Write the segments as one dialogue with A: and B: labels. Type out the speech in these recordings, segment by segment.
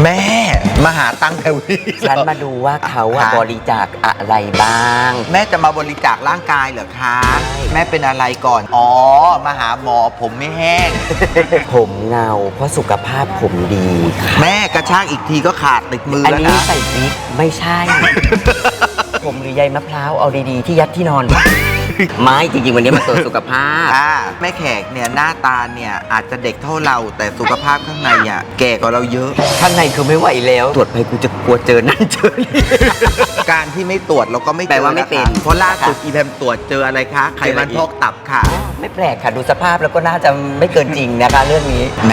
A: ม่มาหาตังค์แถวนี้
B: ฉันมาดูว่าเขาบริจาคอะไรบ้าง
A: แม่จะมาบริจาคร่างกายเหรอคะแม่เป็นอะไรก่อนอ๋อมาหาหมอผมไม่แห้ง
B: ผมเงาเพราะสุขภาพผมดีค่ะ
A: แม่กระชากอีกทีก็ขาดติดมือ
B: อัน
A: แล้ว
B: นี้
A: นะ
B: ใส่บิ๊กไม่ใช่ ผมหรือใยมะพร้าวเอาดีๆที่ยัดที่นอน ไม่จริงๆวันนี้มาตรวจสุขภาพ
A: แม่แขกเนี่ยหน้าตาเนี่ยอาจจะเด็กเท่าเราแต่สุขภาพข้างในอ่ะแก่กว่าเราเยอะ
B: ข้างในคือไม่ไหวแล้ว ตรวจไปกูจะกลัวเจอนั่นเจอนี่
A: การที่ไม่ตรวจเราก็ไม่เจอ
B: แปลว่าไม่เป็น
A: นะคะเพราะล่าสุดอีแพมตรวจเจออะไรคะไขมันพอกตับค่ะ
B: ไม่แปลกค่ะดูสภาพแล้วก็น่าจะไม่เกินจริงนะคะเรื่องนี้
A: แม่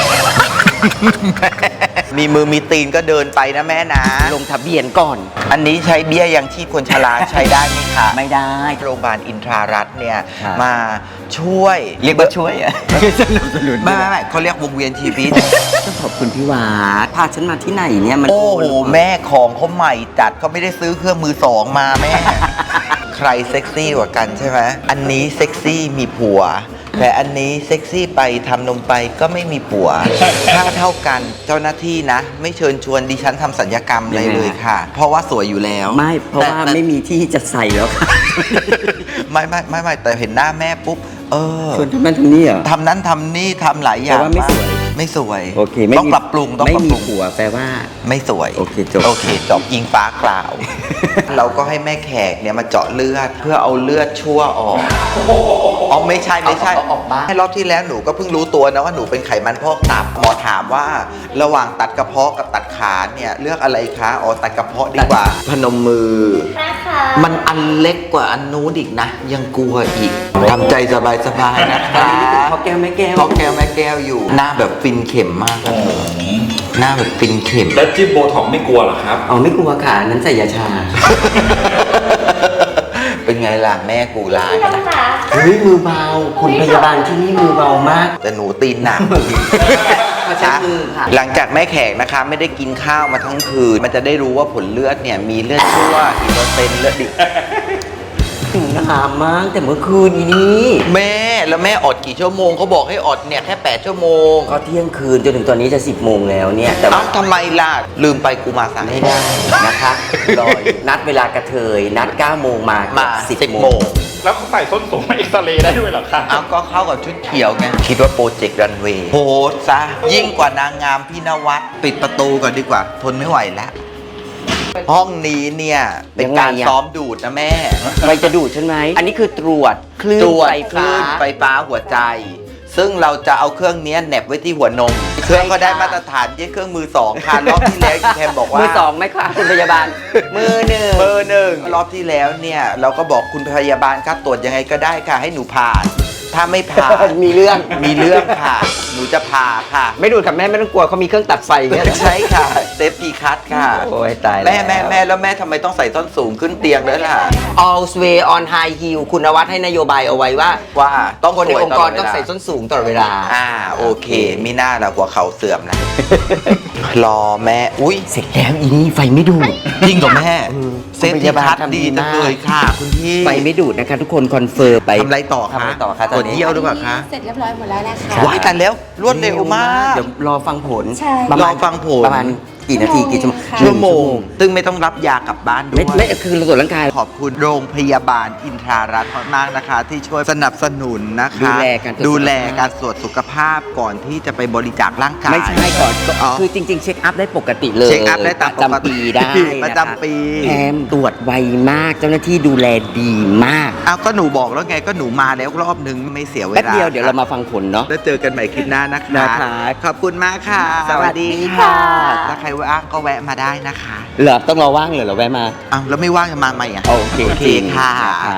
A: มีมือมีตีนก็เดินไปนะแม่นะ
B: ลงทะเบียนก่อน
A: อันนี้ใช้เบี้ยยังชีพคนชราใช้ได้ไหมคะ
B: ไม่ได้
A: โรงพยาบาลอินทรารัตน์เนี่ย
B: ครับ
A: มาช่วย
B: เรียกว่าช่วยอะสนับสนุน
A: ไม่เขาเรียกวงเวียนชีวิต
B: ต้องขอบคุณพี่หวาดพาฉันมาที่ไหนเนี่ยมัน
A: โอ้โหแม่ของเขาใหม่จัดเขาไม่ได้ซื้อเครื่องมือสองมาแม่ ใครเซ็กซี่กว่ากันใช่ไหมอันนี้เซ็กซี่มีผัว แต่อันนี้เซ็กซี่ไปทำนมไปก็ไม่มีผัว ค่าเท่ากันเจ้าหน้าที่นะ ไม่เชิญชวนดิฉันทำสัญญกรรมอะไรเลยค่ะ เพราะว่าสวยอยู่แล้ว
B: ไม่เพราะว่า
A: แต่
B: ไม่มีที่จะใส่แล้วค่ะ
A: ไม่แต่เห็นหน้าแม่ปุ๊บ
B: ชวนทำนั่นทำนี่เหรอ
A: ทำนั้นทำนี่ทำหลายอย่าง
B: แต่ว่าไม่สวย
A: ไม่สวย
B: โอเค
A: ต้องปรับปรุงต้อง
B: ไม่
A: ปรับ
B: มี
A: ปรุง
B: ผัวแปลว่า
A: ไม่สวย
B: โอเคจบ
A: โอเคจบอิงฟ้ากล่าว เราก็ให้แม่แขกเนี่ยมาเจาะเลือดเพื่อเอาเลือดชั่วออกอ๋อไม่ใช่
B: เอาออกบ้าง
A: ให้รอบที่แล้วหนูก็เพิ่งรู้ตัวนะว่าหนูเป็นไขมันพอกตับหมอถามว่าระหว่างตัดกระเพาะกับตัดขาเนี่ยเลือกอะไรคะอ๋อตัดกระเพาะดีกว่า พนมมือ มันอันเล็กกว่าอันนู้นอีกนะ ยังกลัวอีกทำใจสบายๆนะคะ
B: พอแก้วไม่แก้ว
A: พ่อแก้วแม่แก้วอยู่ หน้าแบบฟินเข็มมากอะเธอหน้าแบบฟินเข็ม
C: แล้วจิ้มโบท็อกซ์ไม่กลัวเหรอครับ
B: อ๋อไม่กลัวค่ะอันนั้นใส่ยาชา
A: เป็นไงล่ะแม่กูร้าย
B: เฮ้ยมือเบาคุณพยาบาลที่นี่มือเบามาก
A: แต่หนูตีนหนัก
B: เขาใช้มือค่ะ
A: หลังจากแม่แขกนะคะไม่ได้กินข้าวมาทั้งคืน มันจะได้รู้ว่าผลเลือดเนี่ยมีเลือดชั่วอีกเปอร์เซ็นต์เลือดดิบ
B: ถึงหามมากแต่เมื่อคืนนี้
A: แม่แล้วแม่อดกี่ชั่วโมงเขาบอกให้อดเนี่ยแค่8ชั่วโมง
B: ก็เที่ยงคืนจนถึงตอนนี้จะ10 โมงแล้วเนี่ยแต่
A: เอ้า
B: ว่า
A: ทำไมล่ะ ลืมไปกูมาสาย
B: ไม่ได้นะคะรออยู่นัดเวลากระเทยนัด9 โมงมา
A: มา
B: 10
A: 10
B: โม
A: โม
B: ง
A: ง
C: แล้วเขาใส่ส้นสูงมาเอ็กซเรย์ได้ด้วยเหรอครับ
A: เอาก็เข้ากับชุดเขียวไง คิดว่าโปรเจกต์รันเวย์โหดซะ ยิ่งกว่านางงามพี่นวัดปิดประตูก่อนดีกว่า ทนไม่ไหวแล้ว ห้องนี้เนี่ยเป็นการ
B: ยังไงอะ
A: ซ้อมดูดนะแม่
B: ไปจะดูดใช่ไหมอันนี้คือตรวจคลื่น
A: ตรวจ
B: ไฟ
A: คลื่
B: ฟ้า
A: นไฟฟ้าหัวใจ ซึ่งเราจะเอาเครื่องนี้แหนบไว้ที่หัวนม เครื่องก็ได้มาตรฐานยี่เครื่องมือสองค่ะรอบที่แล้วคุณแทมบอกว่า
B: มือสองไหมคะคุณพยาบาล มือหนึ่ง
A: เบอร์หนึ่งรอบที่แล้วเนี่ยเราก็บอกคุณพยาบาลครับตรวจยังไงก็ได้ค่ะ ให้หนูผ่าน ถ้าไม่ผ่าน
B: มีเรื่อง
A: มีเรื่องค่ะ หนูจะผ่าค่ะ
B: ไม่ดูดกับแม่ไม่ต้องกลัวเขามีเครื่องตัดไฟเนี่ย
A: ใช่ค่ะเซฟตี้คัทค่ะ
B: โอ้ยตายแล้ว
A: แม่แล้วแม่ทำไมต้องใส่ส้นสูงขึ้นเตียงด้วยล่ะ
B: All way on high heel คุณนวัดให้นโยบายเอาไว้ว่า
A: ว่าต้อง
B: คนในองค์กร
A: สวย
B: ต้อง
A: ลดเวลา
B: ใส่ส้นสูงตลอดเวลา
A: โอเคมีหน้าละหัวเข่าเสื่อมนะ รอแม่อุ้ย
B: เสร็จแล้วอีนี่ไฟไม่ดูด
A: จริงเหรอแม่ เซฟ
B: คุณพ
A: ตี้
B: ยาบาล
A: คัท
B: ทำดี
A: ดีจัง
B: มาก
A: เลยค่ะคุณพี่
B: ไฟไม่ดูดนะคะทุกคนคอนเฟิร์มไป
A: ทำอะไรต่อ
B: ทำ
A: คะ
B: อะไรต่อคะต
A: ต
B: อ
A: รวน จ
B: นี้
A: เยี่ยวหรือเปล่าคะ
D: เสร็จเรียบร้อยหมดแล้วนะคะ
A: ว้ายแต่แล้วรวดเร็วมาก
B: เดี๋ยวรอฟังผล
D: ใช่
B: ประมาณ
A: รอฟังผล
B: ประมาณกี่นาทีกี่ชั่วโมง
D: ค่ะ
A: ชั่วโมง ซึ่งไม่ต้องรับยากลับบ้านด้ว
B: ไม่
A: ย
B: คือเราตรวจร่างกาย
A: ขอบคุณโรงพยาบาลอินทรารัตน์มากนะคะ ที่ช่วยสนับสนุนนะคะ
B: ดูแลการตรวจ
A: ดูแลการตรวจสุขภาพก่อนที่จะไปบริจาคร่างกาย
B: ไม่ใช่ก่อน
A: อ๋อ
B: คือจริง ๆ เช็คอัพได้ปกติเลย
A: เช็คอัพได้ตามปกติ
B: ประจำปีได้
A: ประจำปี
B: แถมตรวจไวมากเจ้าหน้าที่ดูแลดีมาก
A: เอาก็หนูบอกแล้วไงก็หนูมาแล้วรอบนึงไม่เสียเวลา
B: แป๊บเดียวเดี๋ยวเรามาฟังผลเนาะ
A: แล้วเจอกันใหม่คลิปหน้านะคะ
B: นะคะ
A: ขอบคุณมากค่ะ
B: สวัสดีค่ะ
A: ถ้าใครว่างก็แวะมาได้นะคะ
B: เหรอต้องรอว่างเหรอเราแวะมา
A: อ้าวแล้วไม่ว่างจะมาใหม่อ่ะ
B: โอเค
A: โอเคค่ะ